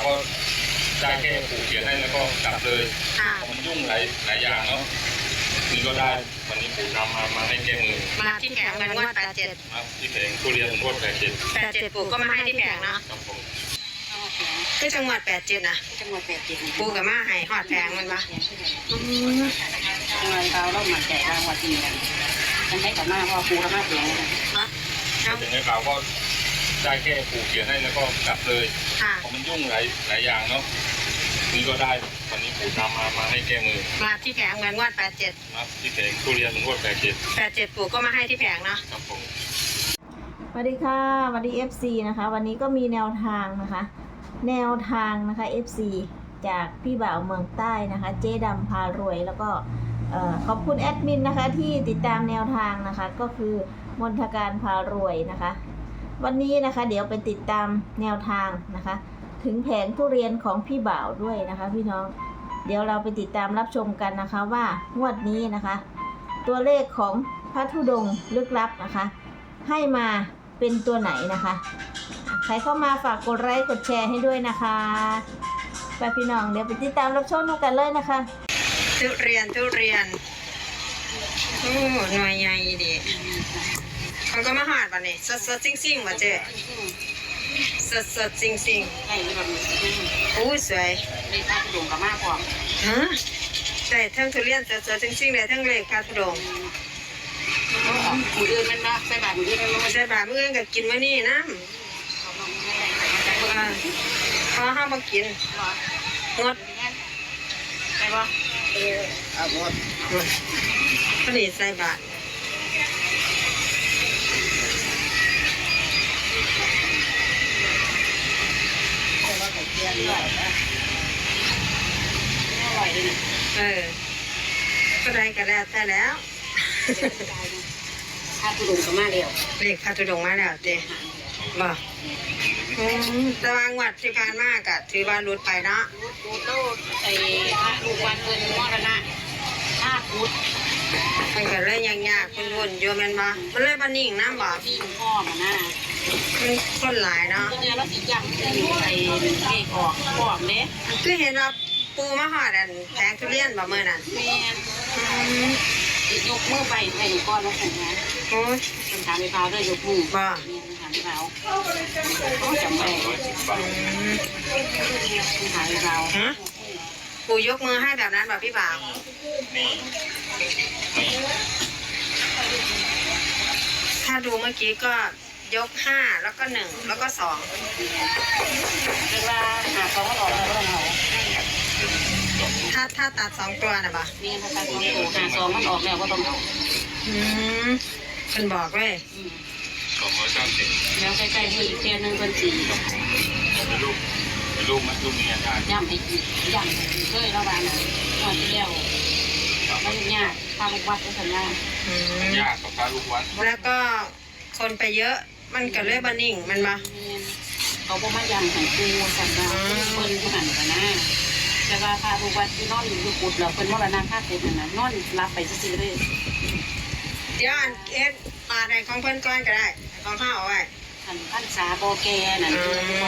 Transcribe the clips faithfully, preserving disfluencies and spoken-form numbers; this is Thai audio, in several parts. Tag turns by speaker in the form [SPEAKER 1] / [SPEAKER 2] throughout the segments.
[SPEAKER 1] ก็ได้แค่ผูกเขียนให้แล้วก็กลับเลยมันยุ่งหลายหลายอย่างเนาะนี่ก็ได้วันนี้ปู่นำมามาให้แก้มือ
[SPEAKER 2] มาที่แผงเงินงวดแปดเจ็ด
[SPEAKER 1] ครับที่แผงทุเรียนงวดแปดเจ็ด
[SPEAKER 2] แปดเจ็ดปู่ก็มาให้ที่แผงเนาะที่จังหวัดแปดเจ็ดนะ
[SPEAKER 3] จังหวัดแปดเจ็ด
[SPEAKER 2] ปู่กับมาให้หอดแผงมันปะ
[SPEAKER 3] จังหวัดเราเราหมั่นใจรางวัลที่หนึ่งฉันให้กับมาเพราะปู่กับมาแผง
[SPEAKER 1] ถึงในข่าวก็ได้แค่ผูกเขียนให้แล้วก็กลับเลยเพราะมันยุ่งหลายหลายอย่างเนาะนี่ก็ได้วันนี้ปู่นำมามาให้แก้มือ
[SPEAKER 2] มาที่แผงเงินงวดแปดเจ็ด
[SPEAKER 1] ครับที่แผงทุเรียนงวดแปดเจ็ด
[SPEAKER 2] แปดเจ็ดปู่ก็มาให้ที่แผงเนาะ
[SPEAKER 1] ครับผม
[SPEAKER 4] สวัสดีค่ะสวัสดี เอฟ ซี นะคะวันนี้ก็มีแนวทางนะคะแนวทางนะคะ เอฟ ซี จากพี่บ่าวเมืองใต้นะคะเจ๊ดำพารวยแล้วก็ขอบคุณแอดมินนะคะที่ติดตามแนวทางนะคะก็คือมนทการพารวยนะคะวันนี้นะคะเดี๋ยวไปติดตามแนวทางนะคะถึงแผงทุเรียนของพี่บ่าวด้วยนะคะพี่น้องเดี๋ยวเราไปติดตามรับชมกันนะคะว่างวดนี้นะคะตัวเลขของพระธุดงค์ลึกลับนะคะให้มาเป็นตัวไหนนะคะใครเข้ามาฝากกดไลค์กดแชร์ให้ด้วยนะคะไปพี่น้องเดี๋ยวไปติดตามรับชมกันเลยนะคะ
[SPEAKER 2] ทุเรียนทุเรียนโอ้หน่วยใหญ่ดีเขาก็มาหาดวันนี้สดสดซิ่งซิ่งมาเจ๊สดสดซิ่งซิ่งโอ้สวย
[SPEAKER 3] เลยพาทุดงกับมาพร้อม
[SPEAKER 2] ฮะใช่ทั้งทุเรียนสดสดซิ่งซิ่งเลยทั้งเลขพาทุดง
[SPEAKER 3] มืออื่นมันมาใส่บาตรมืออื่นมันมา
[SPEAKER 2] ใส่บาตรมืออื่นก็กินมื้อนี้นะพอห้ามมากินงด
[SPEAKER 3] ใช่ปะเออเอาหมด
[SPEAKER 2] พอดีใส่บาตรเออก็ได้ก็แล้วแต่แล้ว
[SPEAKER 3] พาทุดงกับมาแล้ว
[SPEAKER 2] เลขพาทุดงมาแล้วเจ๊บ่ตารางวัดที่ผ่านมากะถือว่ารุดไปเนาะ
[SPEAKER 3] รุดโลดไอ้พระลูกวันเงินมรณะห้าพุทธ
[SPEAKER 2] มันก็เลยยังยากคุณวุ่นโยมมันบ่มันเลยบ่นิ่งน้ำบ่
[SPEAKER 3] นิ่งพ่อมันน่ะ
[SPEAKER 2] มันคนหลายเนาะ
[SPEAKER 3] เนี่ยเราสิยังไอ้เลขออกพร้อมเด้
[SPEAKER 2] คือเห็นว่าปูมาหอดอันแผงทุเรียนบ่เมื่อนั้น
[SPEAKER 3] แม่ยกมือไปให้ลูกก้อนมาส่งนะ
[SPEAKER 2] โอ้ย
[SPEAKER 3] เป็นถามไปเปล่าด้วยยกมือ
[SPEAKER 2] บ่
[SPEAKER 3] ถามไปเปล่าเขาจำได้ถามไปเปล่า
[SPEAKER 2] ปูยกมือให้แบบนั้นแบบพี่บ่าวถ้าดูเมื่อกี้ก็ยกห้าแล้วก็หนึ่งแล้วก็สอง
[SPEAKER 3] เวลาหาสองก็ออกแล้วเรา
[SPEAKER 2] ถ้าถ้าตัดสองตัวนะบ่ะ
[SPEAKER 3] นี่ถ้าตัดสองตัวหาสองมันออกแล้วก็ต้องเอา
[SPEAKER 2] อืมเป็นบอกเลย
[SPEAKER 1] สองร้อยเก้าสิบ
[SPEAKER 3] แล้วใกล้ๆมืออีกเทียนหนึ่งเป็นสี่
[SPEAKER 1] เป็นลูกเป็นลูกมันลูกมีอาการ
[SPEAKER 3] ย่ำอีกย่ำเคยระบายนะตอนที่แล้วมันยากพาลูกวัดก็สัญญ
[SPEAKER 1] ายากกับพาลูกวัด
[SPEAKER 2] แล้วก็คนไปเยอะมันก็เลยบันนิ่งมันมา
[SPEAKER 3] เขาบอกมาย่ำของกูสัญญาเปิ้ลผู้หันกันนะแต่ว่าพาลูกวัดที่นอนอยู่กุดเราเป็นมรณะค่ากุดนะนอนรับไปซื้อเลย
[SPEAKER 2] เดี๋ยวอันเอ็ดมาในของเพื่อนก้อนก็ได้ของข้าวเอาไว้
[SPEAKER 3] อันพันษาโบแกนั่นคือคน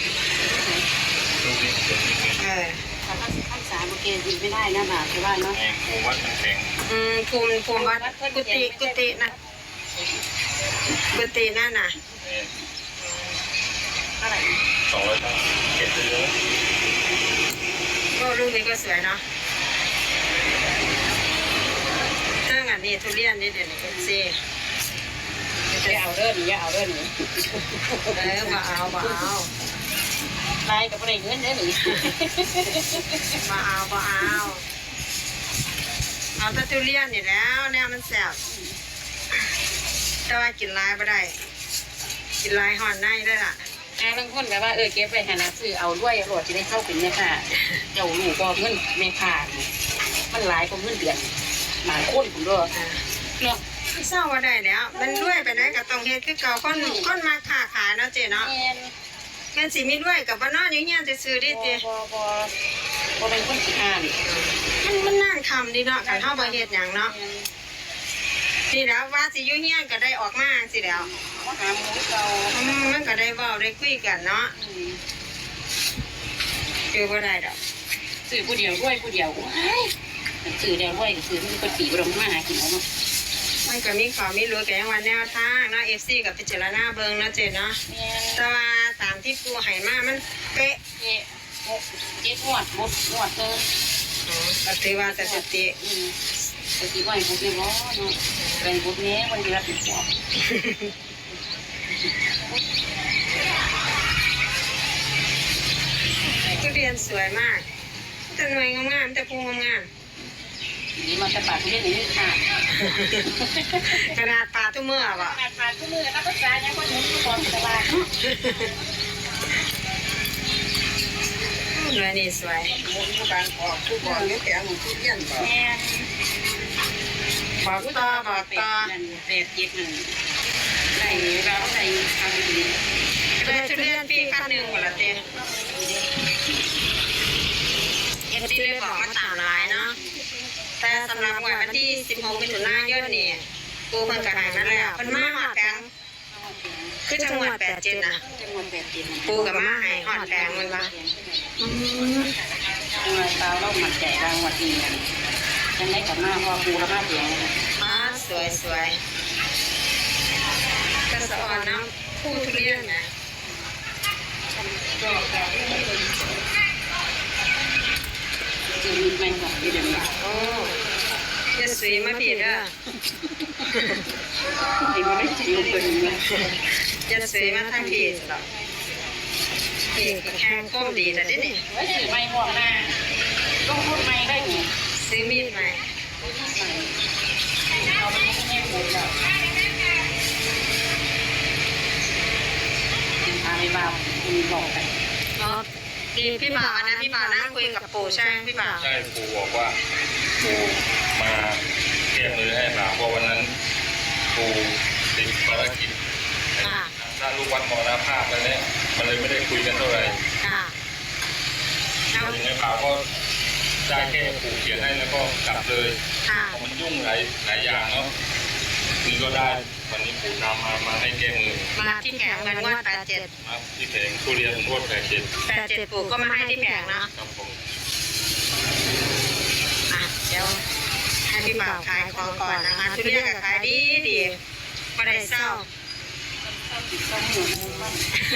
[SPEAKER 2] เออ
[SPEAKER 3] ถ้าพันษาโบแกยิงไม่ได้นะบ่าวใช่ว่าเนาะ
[SPEAKER 1] ภูมิวัดมันแข็ง
[SPEAKER 2] อืมภูมิภูมิวัดกุฏิกุฏินะกุฏินั่นน่ะ
[SPEAKER 3] เท่าไหร่
[SPEAKER 1] สองร้อยเจ็ดเลย
[SPEAKER 2] ก็ลูกนี้ก็สวยเนาะถ้างั้นนี่ทุเรียนนี่เดี๋ยวนี้ก็ซี
[SPEAKER 3] อย่าเอาเรื่องนี้อย่าเอาเรื่องนี้
[SPEAKER 2] เออมาเอามาเอา
[SPEAKER 3] ลายกับอะไรเงินได้หรือ
[SPEAKER 2] มาเอามาเอาเอาแต่ทุเรียนนี่แล้วเนี่ยมันแซ่บแต่ว่ากินลายไม่ได้กินลายห่อนในได้ล่ะ
[SPEAKER 3] อ่าบางคนแบบว่าเออเก็บไปหาหนังสือเอาด้วยโหลดจะได้เข้าเป็นเนี่ยค่ะเจ้าหนูก็เงินเมฆามันหลายกว่าเงินเดือนหมาข้นผมด้วยเนาะ
[SPEAKER 2] เศร้าว่าได้แล้วมันด้วยไปได้กับตรงเฮ็ดคือเก่าคนคนมาค้าขายเนาะเจ๊เนาะเงินสิมีด้วยกับบ้านนอกอย่างเงี้ยจะซื้อได้เจ๊
[SPEAKER 3] บ่บ่บ่เป็นคนขี้อ่าน
[SPEAKER 2] มันมันน่าทำดีเนาะกันเท่าบ่เฮ็ดอย่างเนาะนี่แล้วว่าสิยุ่งเงี้ยก็ได้ออกมาสิแล้ว
[SPEAKER 3] หาหมูเก่า
[SPEAKER 2] มันก็ได้เว้าได้คุยกันเนาะอยู่บ่ได้ดอก
[SPEAKER 3] ซื้อผู้เดียวด้วยผู้เดียวซื้อเดียวด้วยซื้อมันก็ตีบรมมาหากินแล้วเนาะ
[SPEAKER 2] มันก็มีข่าวมีรู้แก่วันแนวทางเนาะ เอฟ ซี กับพิจารณาเบิ่งเนาะเจ๊เนาะแต่ว่าตามที่ปูให้มามันเป๊ะ
[SPEAKER 3] เจ๊หกเจ็ดงวดหมดงวดเลย
[SPEAKER 2] อ๋อก็ถือว่าสถิติ
[SPEAKER 3] อืมสติว่าให้พวกนี้ร้อนเนาะเป็นพวกนี้วันที่รับผิดชอบ
[SPEAKER 2] ทุเรียนสวยมากแต่หน่วยงามๆแต่ภูงาม
[SPEAKER 3] นี่มันจะปาดทุเรียนอย่างนี้ค่ะ
[SPEAKER 2] ๆขนาดปลาทุกเมื่อบ่
[SPEAKER 3] ปาดปาดทุกมือแล้วก็จานยังคนหมุนทุกคนสบาย
[SPEAKER 2] หน่วยนี่สวย
[SPEAKER 3] การออกทุกคนนี่แข็งทุเรียนแม่
[SPEAKER 2] บอกต่อบอกต่อ
[SPEAKER 3] เด็ดเย็ดหนึ่งใส่เราใส่ทำดี
[SPEAKER 2] ได้ทุเรียนปีขั้นหนึ่งหมดละเต้เอฟซีเลยบอกมาตามหลายเนาะแต่สำหรับวันที่สิบหกมิถุนายนนี่ปูเพิ่นก็ให้มาแล้วเพิ่นมาหอดแพงคือจังหวัดแปดเจ็ดนะ
[SPEAKER 3] จังหวัดแปดเจ็ด
[SPEAKER 2] ปูกับมาให้หอดแพงมันว่า
[SPEAKER 3] จังหวัดตาเราหมัดใจรางวัดดีกันยังได้กับมาพอปูแล้วมาเสียง
[SPEAKER 2] อ๋อสวยสวยกระสอนน้ำผู้ทุเรียนนะ
[SPEAKER 3] จะมีแมงของที่เดิม
[SPEAKER 2] โอ้ยสวยมาผิดอ่ะ
[SPEAKER 3] ไอ้มันไม่จิ๋วเกินเลย
[SPEAKER 2] จะสวยมาทางผิดหรอกผิดแข้งก้มดีแต่ดินี่
[SPEAKER 3] ไว้ถือไม้ห่วงหน้าลงทุนไม้ได้ไง
[SPEAKER 2] ซื้อมีดใหม่
[SPEAKER 3] เอาไปให้แม่ผมแล้วพาไปบ้าคุณบอกไป
[SPEAKER 2] อ๋อดีพี่บ่าวนะพี่บ่าวนั่งคุยกับปู่ใช่ไหมพี่บ่าว
[SPEAKER 1] ใช่ปู่บอกว่าปู่มาแก้มือให้บ่าวเพราะวันนั้นปู่ติดภารกิจ
[SPEAKER 2] ค่ะ
[SPEAKER 1] ถ้าลูกวัดมรณภาพแล้วเนี่ยมันเลยไม่ได้คุยกันเท่าไหร่
[SPEAKER 2] ค่ะแล้ว
[SPEAKER 1] อย่างนี้บ่าวก็ได้แค่ปู่เขียนให้แล้วก็กลับเลย
[SPEAKER 2] ค่ะ
[SPEAKER 1] เพราะมันยุ่งหลายหลายอย่างเนาะนี่ก็ได้วันนี้ปู่นำมามาให้แก้มือ
[SPEAKER 2] มาที่แผงเงินงวดแปดเจ็ด
[SPEAKER 1] มาที่แผงทุเรียนรวดแผงเจ็ด
[SPEAKER 2] แปดเจ็ดปู่ก็มาให้ที่แผงเนาะ
[SPEAKER 1] ครับผม
[SPEAKER 2] อ่ะเดี๋ยวให้พี่บ่าวขายของก่อนนะคะทุเรียนก็ขายดีดีไม่ได้เศร้า
[SPEAKER 3] ต้องหมุนมัน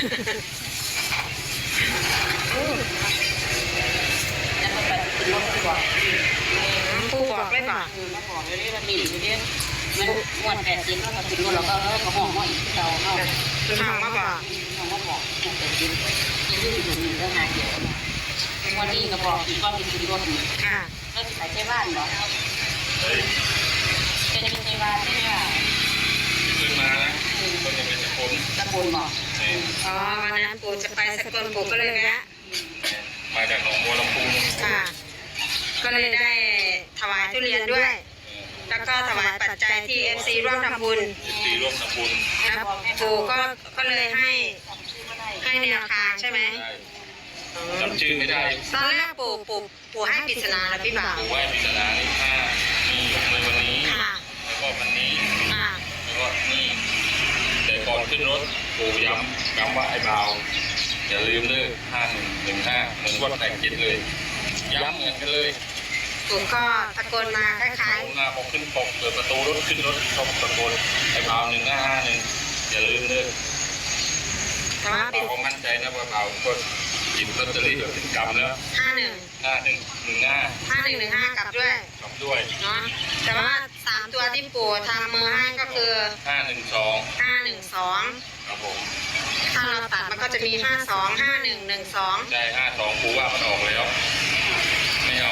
[SPEAKER 3] แล้วก็ไปขึ้นรถดีกว่า
[SPEAKER 2] ปู่บอกไม่บอก
[SPEAKER 3] คือมาบอกเลยว่ามีอยู่เนี่ยมันมวนแปดสิบแล้วก็ถึงรถเราก็เออก็ห้องห้องอีกที่เราเข้า
[SPEAKER 2] คุณทองมาบอก
[SPEAKER 3] ห้องก็บอกแปดสิบยังอยู่อยู่นี่ก็หาเกี่ยววันนี้ก็บอกอีกก็มีถึงรถ
[SPEAKER 2] ค่ะ
[SPEAKER 3] แล้วขายใช้บ้านเหรอ
[SPEAKER 1] เฮ้ย
[SPEAKER 3] จะมีใช้บ้านที่ว่า
[SPEAKER 1] ขึ้นมานะคนจะเป็นคน
[SPEAKER 3] ตะบนบอก
[SPEAKER 1] นี่
[SPEAKER 2] อ๋อวันนั้นปู่จะไปสกลปู่ก็เลยแวะ
[SPEAKER 1] มาจากหนองบัวลำพู
[SPEAKER 2] ค่ะ ก็เลยได้ถวายทุเรียนด้วย แล้วก็ถวายปัจจัยที่ เอฟ ซี ร่วมทำบุญ
[SPEAKER 1] ตีร่วมทำบุญ
[SPEAKER 2] แล้วปู่ก็ก็เลยให้ให้แนวทางใช่ไหม
[SPEAKER 1] ได้จำชื่อไม่ได้
[SPEAKER 2] ตอนแรกปู่ปู่ปู่ให้ปริศนาแล้วพี่บ่าว
[SPEAKER 1] ปู่ไหว้พิจารณานี่ห้านี่ในวันนี้
[SPEAKER 2] ค่ะ
[SPEAKER 1] แล้วก็วันนี้
[SPEAKER 2] ค่ะ
[SPEAKER 1] แล้วก็นี่แต่ก่อนขึ้นรถปู่ย้ำย้ำว่าไอ้เบาอย่าลืมเลิกห้าหนึ่งหนึ่งห้าเหมือนวัดแต่งจิตเลยย้ำเหมือนกันเลย
[SPEAKER 2] ปู่ก็ตะโกนมาคล้าย
[SPEAKER 1] ผมมาพอขึ้นปกเปิดประตูรถขึ้นรถชอบตะโกนไอ้เบาหนึ่งห้าห้าหนึ่งอย่าลืมเลิก
[SPEAKER 2] ๆแต่ว่าเป็น
[SPEAKER 1] เบาก็มั่นใจนะว่าเบาก็หยิบลอตเตอรี่ถึงกำแล้ว
[SPEAKER 2] ห้าหนึ่ง
[SPEAKER 1] ห้าหนึ่งหนึ่งห้า
[SPEAKER 2] ห้าหนึ่งหนึ่งห้ากลับด้วย
[SPEAKER 1] กลับด้วย
[SPEAKER 2] เนาะแต่ว่าสามตัวที่ปู่ทำมือให้ก็คือ
[SPEAKER 1] ห้าหนึ่งสอง
[SPEAKER 2] ห้าหนึ่งสอง
[SPEAKER 1] ครับผม
[SPEAKER 2] ถ้าเราตัดมันก็จะมีห้าสองห้าหนึ่งหนึ่งสอง
[SPEAKER 1] ได้ห้าสองปูว่ามันออกแล้วไม่เอา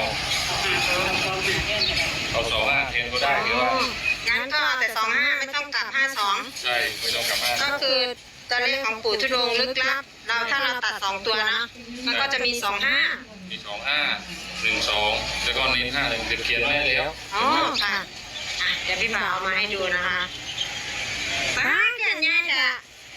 [SPEAKER 1] เอาสองห้าเทนก็ได้หรือว่า
[SPEAKER 2] งั้นก็แต่สองห้าไม่ต้องกลับห้าสอง
[SPEAKER 1] ใช่ไม่ต้องกลับห้า
[SPEAKER 2] ก็คือตัวเลขของปู่ทุดงค์ลึกลับ เราถ้าเราตัดสองตัวนะมันก็จะมีสองห้า
[SPEAKER 1] มีสองห้าหนึ่งสองแล้วก็เน้นห้าหนึ่งเขียนไว้แล้ว
[SPEAKER 2] อ๋อค่ะอ่ะเดี๋ยวพี่บ่าวเอามาให้ดูนะคะป้าเขียนง่ายจ้ะ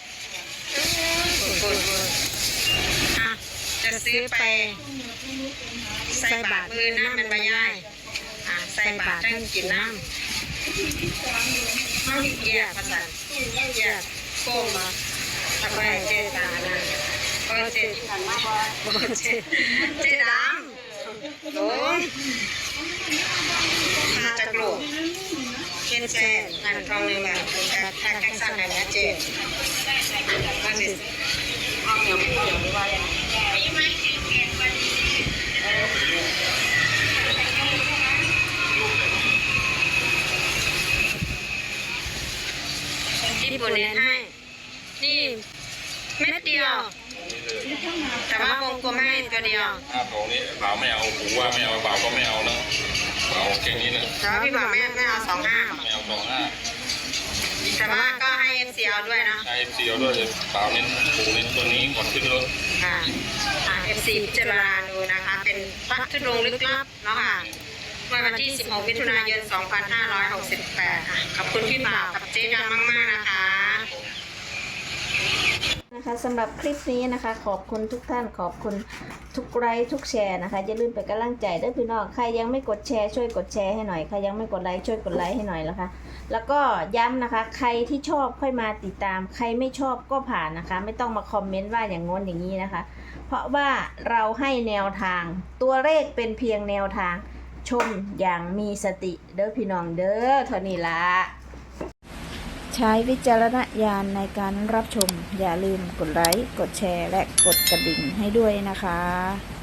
[SPEAKER 2] อ่ะจะซื้อไปใส่บาตรมือน้ำมันใบย่ายอ่ะใส่บาตรทั้งกินน้ำห้องเกียร์ภาษาเกียร์โค้งมาทำไมเจตานะเออเจ
[SPEAKER 3] ที่ผ่านมาบ่
[SPEAKER 2] เจเจดำโอ้มาจากโลกเคนเซนงานทองหนึ่งแบบแท็กแท็กสั่งแบบนี้เจมาสิ
[SPEAKER 3] เอาเหนียวไม่เหนียวหรือว่ายังไง
[SPEAKER 2] ญี่ปุ่นเน้นให้ นี่เม็ดเดียว แต่ว่าวงกลมให้ตัวเดียว
[SPEAKER 1] ถ้าของนี้บ่าวไม่เอาหูว่าไม่เอาบ่าวก็ไม่เอาเนาะเอาแค่นี้เลย
[SPEAKER 2] แต่ว่าพี่บอกไม่ไม่เอาสองห้า
[SPEAKER 1] ไม่เอาสองห้า
[SPEAKER 2] แต่ว่าก็ให้เอฟซีเอาด้วยนะ
[SPEAKER 1] ใช้เอ็มซีเอาด้วยเลยบ่าวเน้นหูเน้นตัวนี้ก่อนขึ้นรถ
[SPEAKER 2] ค่ะเอฟซีพิจารณาดูนะคะ เป็นพระธุดงค์ลึกลับเนาะค่ะเมื่อวันที่สิบหกมิถุนายนสองพันห้าร้อยหกสิบแปดค่ะขอบคุณพี่บ่าวกับเจ๊ดำมากๆนะคะ
[SPEAKER 4] นะคะสำหรับคลิปนี้นะคะขอบคุณทุกท่านขอบคุณทุกไลค์ทุกแชร์นะคะอย่าลืมเป็นกำลังใจด้วยพี่น้องใครยังไม่กดแชร์ช่วยกดแชร์ให้หน่อยใครยังไม่กดไลค์ช่วยกดไลค์ให้หน่อยนะคะแล้วก็ย้ำนะคะใครที่ชอบค่อยมาติดตามใครไม่ชอบก็ผ่านนะคะไม่ต้องมาคอมเมนต์ว่าอย่างงนอย่างนี้นะคะเพราะว่าเราให้แนวทางตัวเลขเป็นเพียงแนวทางชมอย่างมีสติเด้อพี่น้องเด้อเท่านี้ละใช้วิจารณญาณในการรับชมอย่าลืมกดไลค์กดแชร์และกดกระดิ่งให้ด้วยนะคะ